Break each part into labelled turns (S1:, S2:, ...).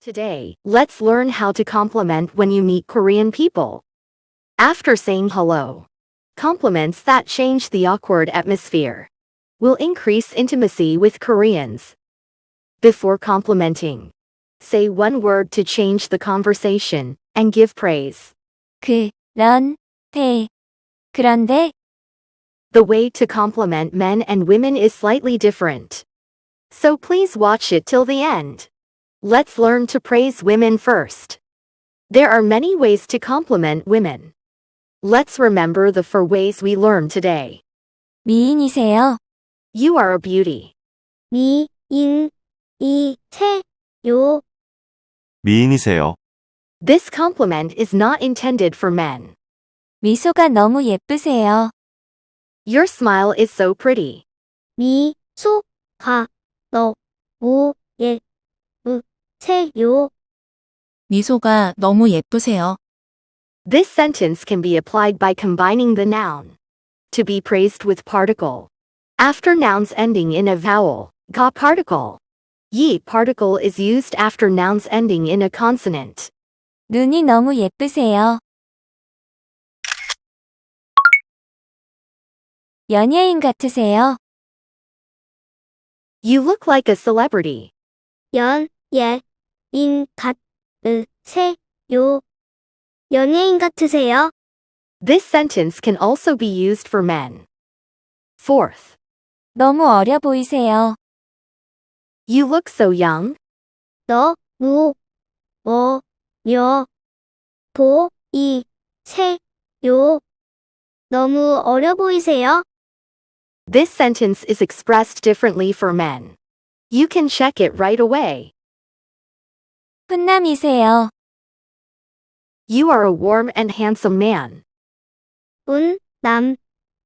S1: Today, let's learn how to compliment when you meet Korean people. After saying hello, compliments that change the awkward atmosphere will increase intimacy with Koreans. Before complimenting, say one word to change the conversation and give praise.
S2: 그런데.
S1: The way to compliment men and women is slightly different. So please watch it till the end. Let's learn to praise women first. There are many ways to compliment women. Let's remember the 4 ways we learned today.
S2: 미인이세요.
S1: You are a beauty.
S2: 미인이세요.
S3: 미인이세요.
S1: This compliment is not intended for men.
S2: 미소가 너무 예쁘세요.
S1: Your smile is so pretty.
S2: 미소가 너무 예쁘세요.
S4: 미소가 너무 예쁘세요.
S1: This sentence can be applied by combining the noun to be praised with particle. After nouns ending in a vowel, ga particle. Yi particle is used after nouns ending in a consonant.
S2: 눈이 너무 예쁘세요. 연예인 같으세요.
S1: You look like a celebrity.
S2: 연예인 같으세요. 연예인 같으세요.
S1: This sentence can also be used for men. Fourth,
S2: 너무 어려 보이세요.
S1: you look so young.
S2: 너무 어려 보이세요. 너무 어려 보이세요.
S1: This sentence is expressed differently for men. You can check it right away.
S2: 훈남이세요.
S1: You are a warm and handsome man.
S2: 훈남이세요.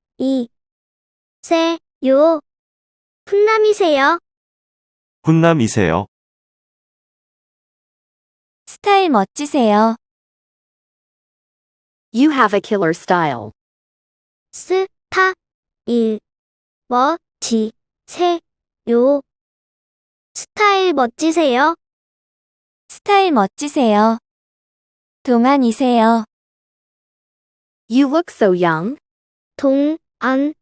S2: 훈남이세요.
S3: 훈남이세요.
S2: 스타일 멋지세요.
S1: You have a killer style.
S2: 스타일 멋지세요. 스타일 멋지세요. 스타일 멋지세요. 동안이세요.
S1: You look so young.
S2: 동안이세요.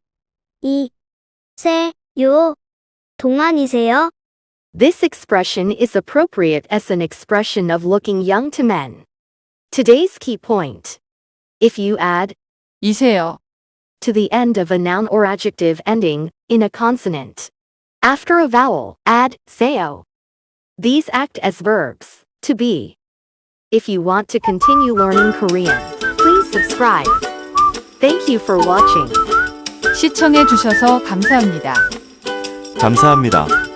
S2: 동안이세요.
S1: This expression is appropriate as an expression of looking young to men. Today's key point. If you add
S4: 이세요.
S1: to the end of a noun or adjective ending in a consonant, after a vowel, add seo. These act as verbs to be. If you want to continue learning Korean, please subscribe. Thank you for watching.
S4: 시청해 주셔서 감사합니다.
S3: 감사합니다.